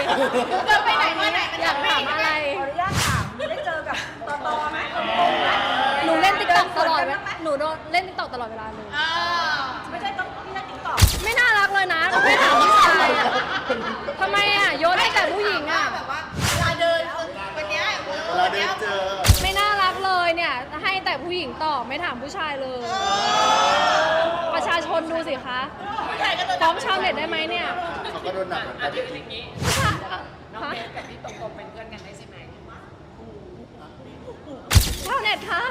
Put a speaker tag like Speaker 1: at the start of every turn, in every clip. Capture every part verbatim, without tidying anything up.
Speaker 1: เดินไปไหนมาไหนมัน
Speaker 2: อยากถามอะไร
Speaker 3: ขออนุญาตถามได้เจอกับตอตอไหม
Speaker 2: หนูเล่นติ๊กต็อกตลอดเวลาหนูโดนเล่นติ๊กต็อกตลอดเวลาเลย
Speaker 1: อ่า
Speaker 3: ไม่ใช่ต้องพี่เล่นติ๊กต็อก
Speaker 2: ไม่น่ารักเลยนะไม่ถามผู้ชายอะทำไมอ่ะโยนให้แต่ผู้หญิงอ่ะ
Speaker 1: แบบว่าเวลาเดินวันเนี้ย
Speaker 4: เวลาเดินเจอ
Speaker 2: ไม่น่ารักเลยเนี่ยให้แต่ผู้หญิงตอบไม่ถามผู้ชายเลย ประชาชนดูสิคะ
Speaker 1: ผู้ชายก็โดน
Speaker 2: ฟ้องชาวเน็ตได้ไหมเนี่ย
Speaker 4: เขาก็โดนหนักเหมือนกัน
Speaker 2: ผู้ชายอะ
Speaker 5: น้อง
Speaker 2: ฮะ
Speaker 5: เบสกับพี่ตรงๆเป็นเพื่อนกันได้ใช่ไหม
Speaker 2: ชาวเน็ตคะ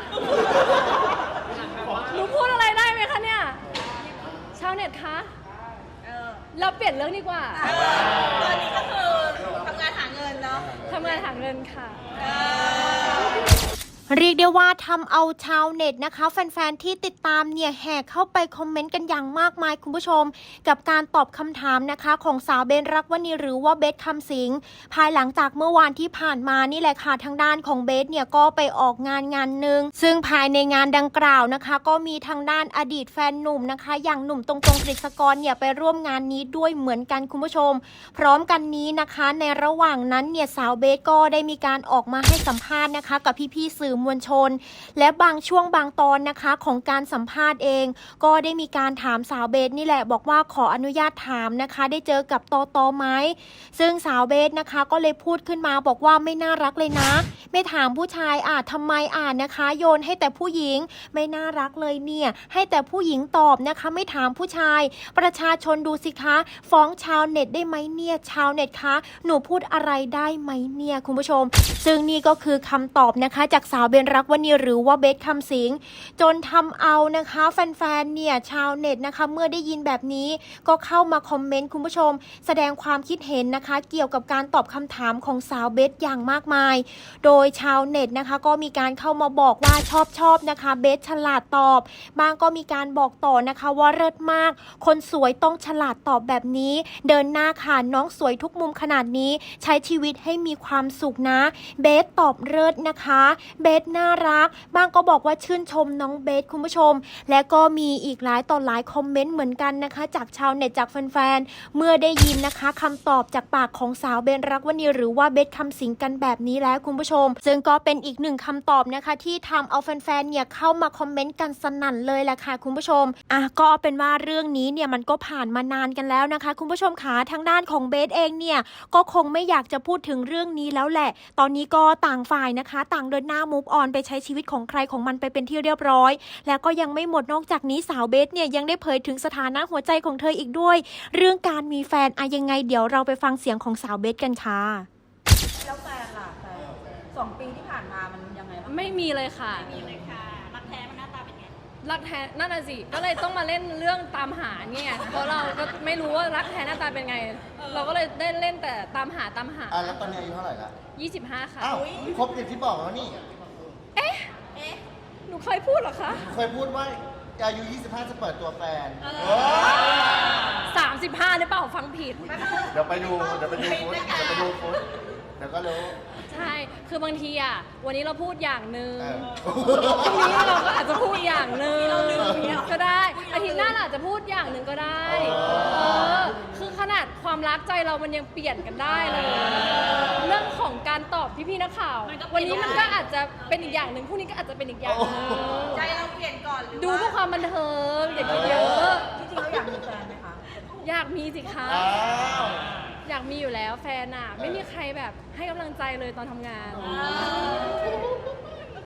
Speaker 2: หนูพูดอะไรได้ไหมคะเนี่ยชาวเน็ตคะ
Speaker 1: เออ
Speaker 2: เราเปลี่ยนเรื่องดีกว่า
Speaker 1: ตอนนี้ก็คือทำงานหาเงินเนาะ
Speaker 2: ทำงานหาเงินค่ะ
Speaker 1: เออ
Speaker 6: เรียกได้ว่าทำเอาชาวเน็ตนะคะแฟนๆที่ติดตามเนี่ยแห่เข้าไปคอมเมนต์กันอย่างมากมายคุณผู้ชมกับการตอบคำถามนะคะของสาวเบนรักวณีหรือว่าเบสคำสิงภายหลังจากเมื่อวานที่ผ่านมานี่แหละค่ะทางด้านของเบสเนี่ยก็ไปออกงานงานหนึ่งซึ่งภายในงานดังกล่าวนะคะก็มีทางด้านอดีตแฟนหนุ่มนะคะอย่างหนุ่มตรงๆกฤษกรเนี่ยไปร่วมงานนี้ด้วยเหมือนกันคุณผู้ชมพร้อมกันนี้นะคะในระหว่างนั้นเนี่ยสาวเบสก็ได้มีการออกมาให้สัมภาษณ์นะคะกับพี่ๆสื่อมวลชนและบางช่วงบางตอนนะคะของการสัมภาษณ์เองก็ได้มีการถามสาวเบสนี่แหละบอกว่าขออนุญาตถามนะคะได้เจอกับตอตอไหมซึ่งสาวเบสนะคะก็เลยพูดขึ้นมาบอกว่าไม่น่ารักเลยนะไม่ถามผู้ชายอ่ะทำไมอ่านนะคะโยนให้แต่ผู้หญิงไม่น่ารักเลยเนี่ยให้แต่ผู้หญิงตอบนะคะไม่ถามผู้ชายประชาชนดูสิคะฟ้องชาวเน็ตได้ไหมเนี่ยชาวเน็ตคะหนูพูดอะไรได้ไหมเนี่ยคุณผู้ชมซึ่งนี่ก็คือคำตอบนะคะจากสาวเบนรักวณีหรือว่าเบสคำสิงจนทำเอานะคะแฟนๆเนี่ยชาวเน็ตนะคะเมื่อได้ยินแบบนี้ก็เข้ามาคอมเมนต์คุณผู้ชมแสดงความคิดเห็นนะคะเกี่ยวกับการตอบคำถามของสาวเบสอย่างมากมายโดยชาวเน็ตนะคะก็มีการเข้ามาบอกว่าชอบชอบนะคะเบสฉลาดตอบบางก็มีการบอกต่อนะคะว่าเลิศมากคนสวยต้องฉลาดตอบแบบนี้เดินหน้าค่ะน้องสวยทุกมุมขนาดนี้ใช้ชีวิตให้มีความสุขนะเบสตอบเลิศนะคะเบสน่ารักบางก็บอกว่าชื่นชมน้องเบสคุณผู้ชมและก็มีอีกหลายต่อหลายคอมเมนต์เหมือนกันนะคะจากชาวเน็ตจากแฟนๆเมื่อได้ยินนะคะคำตอบจากปากของสาวเบนรักวณีหรือว่าเบสคำสิงกันแบบนี้แล้วคุณผู้ชมซึ่งก็เป็นอีกหนึ่งคำตอบนะคะที่ทำเอาแฟนๆเนี่ยเข้ามาคอมเมนต์กันสนั่นเลยแหละค่ะคุณผู้ชมอ่ะก็เอาเป็นว่าเรื่องนี้เนี่ยมันก็ผ่านมานานกันแล้วนะคะคุณผู้ชมขาทางด้านของเบสเองเนี่ยก็คงไม่อยากจะพูดถึงเรื่องนี้แล้วแหละตอนนี้ก็ต่างฝ่ายนะคะต่างเดินหน้ามูฟออนไปใช้ชีวิตของใครของมันไปเป็นที่เรียบร้อยแล้วก็ยังไม่หมดนอกจากนี้สาวเบสเนี่ยยังได้เผยถึงสถานะหัวใจของเธออีกด้วยเรื่องการมีแฟนอะยังไงเดี๋ยวเราไปฟังเสียงของสาวเบสกันค่ะ
Speaker 3: แล้วแฟนล่ะแฟนสองปีที่ผ่านมามันยังไงบ้าง
Speaker 2: ไม่มีเลยค่ะ
Speaker 1: มีเลยค่ะ รักแท้มันหน้าตาเป็นไง
Speaker 2: รักแท้นั่นน่ะสิก็เลยต้องมาเล่นเรื่องตามหาเนี่ยเพราะเราก็ไม่รู้ว่ารักแท้หน้าตาเป็นไง เราก็เลยได้เล่นแต่ตามหาตามหา
Speaker 4: อ่ะแล้วตอนนี้อายุเท่าไหร่ละ
Speaker 2: ยี่สิบห้าค่ะ
Speaker 4: อ้าวครบอย่างที่บอกแล้วนี่
Speaker 2: เอ๊ะ
Speaker 1: เอ๊ะ
Speaker 2: หนูเคยพูดเหรอคะ
Speaker 4: เคยพูดว่าอายุยี่สิบห้าจะเปิดตัวแฟน
Speaker 1: เออ
Speaker 4: เออ
Speaker 2: สามสิบห้าหรือเปล่าฟังผิด
Speaker 4: เดี๋ยวไปดูเดี๋ยวไปดูฟุตเดี๋ยวไปดูฟุตเดี๋ยวก็รู้
Speaker 2: ใช่ คือบางทีอ่ะ วันนี้เราพูดอย่างหนึ่ง
Speaker 4: เออ
Speaker 2: พรุ่งนี้เราก็อาจจะพูดอย่างหนึ่งก็ได้ อาทิตย์หน้าเราอาจจะพูดอย่างหนึ่งก็ได้ เออ คือขนาดความรักใจเรามันยังเปลี่ยนกันได้เลย เรื่องของการตอบพี่ๆนักข่าว วันนี้มันก็อาจจะเป็นอีกอย่างหนึ่งพรุ่งนี้ก็อาจจะเป็นอีกอย่างหนึ่ง
Speaker 1: ใจเราเปลี่ยนก่อนหรือ
Speaker 2: ดู
Speaker 1: ว่า
Speaker 2: เพื่อความบันเทิงอย่าคิดเยอะ
Speaker 3: จริงๆแล้วอยากมีแฟนไหมคะ
Speaker 2: อยากมีสิคะ
Speaker 4: อ้าว
Speaker 2: อยากมีอยู่แล้วแฟนอ่ะ ไม่มีใครแบบให้กำลังใจเลยตอนทำงาน
Speaker 1: อ่า